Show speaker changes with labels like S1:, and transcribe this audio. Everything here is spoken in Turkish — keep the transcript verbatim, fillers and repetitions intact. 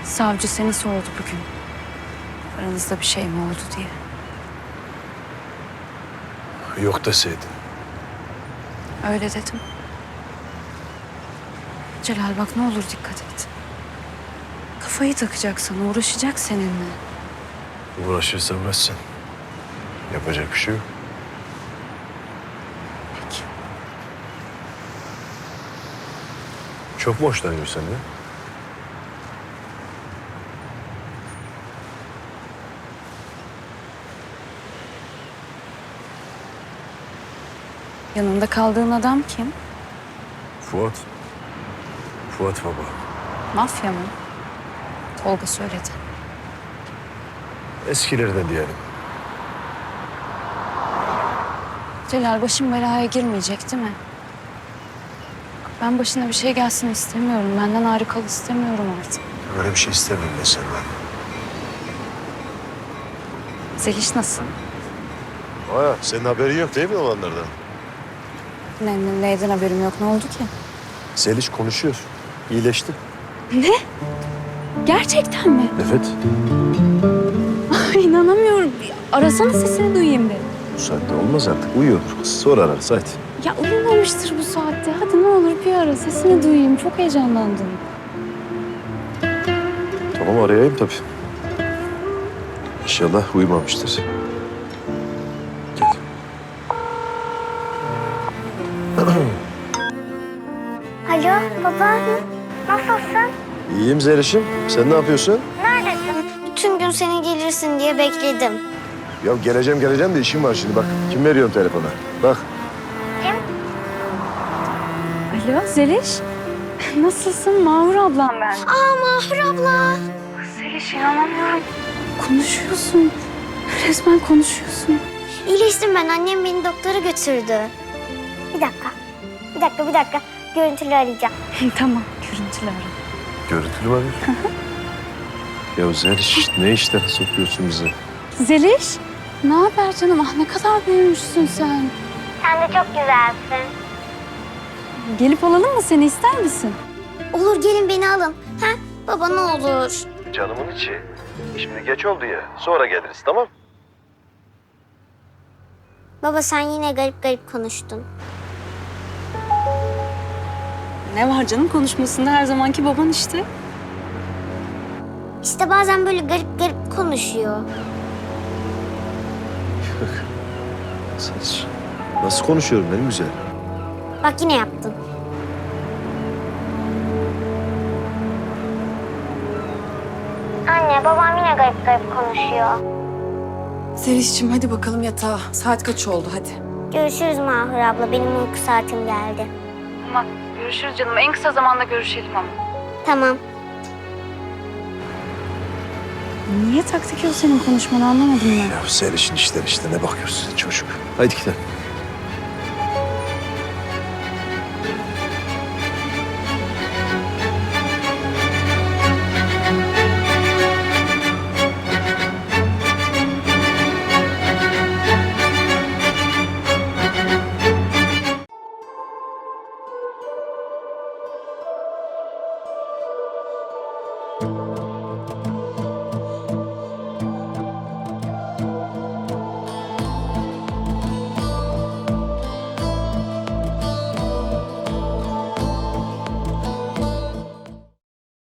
S1: Savcı seni sordu bugün. Aranızda bir şey mi oldu diye.
S2: Yok deseydin.
S1: Öyle dedim. Celal bak ne olur dikkat et. Kafayı takacaksan uğraşacak seninle.
S2: Uğraşırsa uğraşsın. Yapacak bir şey yok.
S1: Peki.
S2: Çok mu hoşlanıyor senden?
S1: Yanında kaldığın adam kim?
S2: Fuat. Fuat baba.
S1: Mafya mı? Tolga söyledi.
S2: Eskilerden diyelim.
S1: Celal başım belaya girmeyecek değil mi? Ben başına bir şey gelsin istemiyorum. Benden ayrı kal istemiyorum artık.
S2: Öyle bir şey istemiyorum ben senden.
S1: Zeliş nasıl?
S2: Aa, senin haberin yok değil mi olanlardan?
S1: Ne, ne- neyden haberim yok? Ne oldu ki?
S2: Zeliş konuşuyor. İyileşti.
S1: Ne? Gerçekten mi?
S2: Evet.
S1: Ay, inanamıyorum. Arasana sesini duyayım bir.
S2: Bu saatte olmaz artık. Uyuyordur kız. Sonra ararız hadi.
S1: Ya uyumamıştır bu saatte. Hadi ne olur bir ara sesini duyayım. Çok heyecanlandım.
S2: Tamam arayayım tabii. İnşallah uyumamıştır. Gel.
S3: Alo baba, nasılsın?
S2: İyiyim Zeliş'im. Sen ne yapıyorsun?
S3: Neredesin? Bütün gün seni gelirsin diye bekledim.
S2: Ya geleceğim geleceğim de işim var şimdi bak. Kim veriyorum telefona? Bak.
S3: Kim?
S1: Alo Zeliş. Nasılsın? Mahur ablam ben.
S3: Aa Mahur abla.
S1: Zeliş inanamıyorum. Konuşuyorsun. Resmen konuşuyorsun.
S3: İyileştim ben, annem beni doktora götürdü. Bir dakika, bir dakika, bir dakika. Görüntülü arayacağım.
S1: Tamam görüntülü ara.
S2: Görüntülü var ya. Ya Zeliş ne işlere sokuyorsun bizi?
S1: Zeliş. Ne haber canım? Ah ne kadar büyümüşsün sen.
S3: Sen de çok güzelsin.
S1: Gelip alalım mı seni ister misin?
S3: Olur gelin beni alın. Ha? Baba ne olur.
S2: Canımın içi. Şimdi geç oldu ya. Sonra geliriz tamam?
S3: Baba sen yine garip garip konuştun.
S1: Ne var canım konuşmasında her zamanki baban işte.
S3: İşte bazen böyle garip garip konuşuyor.
S2: Zeliş. Nasıl konuşuyorum benim güzel?
S3: Bak yine yaptın. Anne babam yine garip garip konuşuyor.
S4: Zeliş'cim hadi bakalım yatağa. Saat kaç oldu hadi.
S3: Görüşürüz Mahur abla. Benim uyku saatim geldi.
S1: Tamam görüşürüz canım. En kısa zamanda görüşelim ama.
S3: Tamam.
S1: Niye taktik yok senin konuşmanı anlamadım ben.
S2: Ya Zeliş'in işleri işte ne bakıyorsun çocuk? Haydi gidelim.